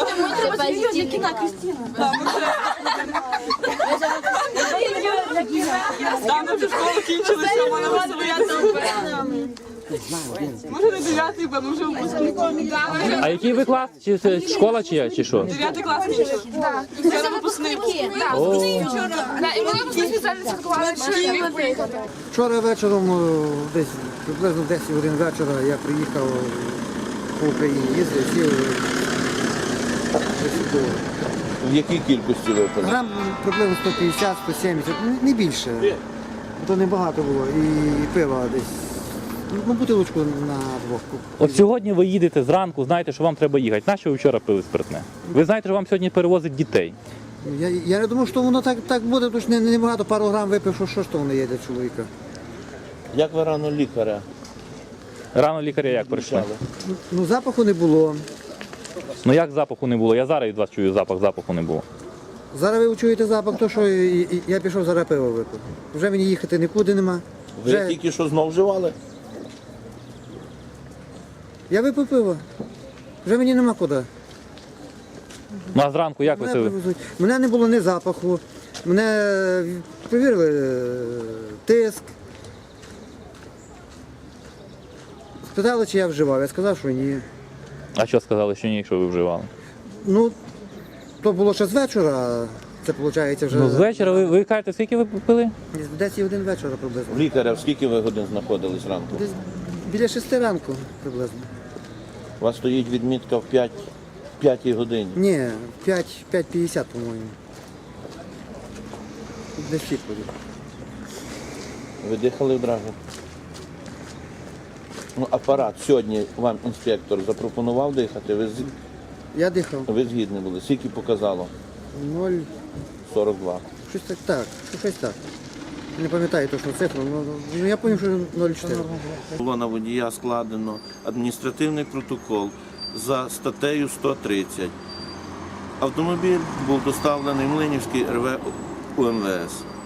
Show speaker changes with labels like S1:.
S1: Там вже школу кінчилися, вона вас бояться. Може не 9-й, бо ми вже випускники.
S2: А який ви клас? Чи школа чи що?
S1: 9 клас кінчили. Це випускник.
S3: І ми випускні спеціально святкували, що він приїхав.
S4: Вчора вечором, десь приблизно в 10 годин вечора, я приїхав по Україні, їздив, сів.
S5: В якій кількості випили?
S4: Грам приблизно 150, 170, не більше. То небагато було. І пива десь, бутилочку на двох.
S2: От сьогодні ви їдете зранку, знаєте, що вам треба їхати. Нащо ви вчора пили спиртне? Ви знаєте, що вам сьогодні перевозить дітей.
S4: Я не думав, що воно так буде, тому що небагато, пару грам випив, що ж то воно є для чоловіка.
S5: Як ви рано лікаря
S2: Рано лікаря як прийшли?
S5: включали?
S4: Ну, запаху не було.
S2: Ну як запаху не було? Я зараз від вас чую запаху не було.
S4: Зараз ви чуєте запах, то що я пішов зараз пиво випив. Вже мені їхати нікуди нема.
S5: Ви тільки що знов вживали?
S4: Я випив пиво. Вже мені нема куди.
S2: Ну а зранку як ви
S4: Мене
S2: це?
S4: привезуть. Мене не було ні запаху. Мене перевірили тиск. Спитали, чи я вживав. Я сказав, що ні.
S2: А що сказали, що ні, якщо ви вживали?
S4: Ну, то було ще з вечора. Це виходить вже
S2: Ну з вечора ви кажете, скільки ви пили?
S4: десь 10 вечора приблизно.
S5: В лікаря в скільки ви годин знаходились ранку?
S4: Десь біля 6 ранку приблизно.
S5: У вас стоїть відмітка в 5 годині.
S4: Ні, 5:50, по-моєму. Десь всі ходять.
S5: Ви дихали одразу? Ну, апарат сьогодні вам інспектор запропонував дихати,
S4: Я дихав.
S5: ви згідні були. Скільки показало?
S4: 0,42.
S5: 42.
S4: Щось так. Не пам'ятаю точно цифру, але я пам'ятаю, що 0,4.
S5: Було на водія складено адміністративний протокол за статтею 130. Автомобіль був доставлений в Млинівський РВ УМВС.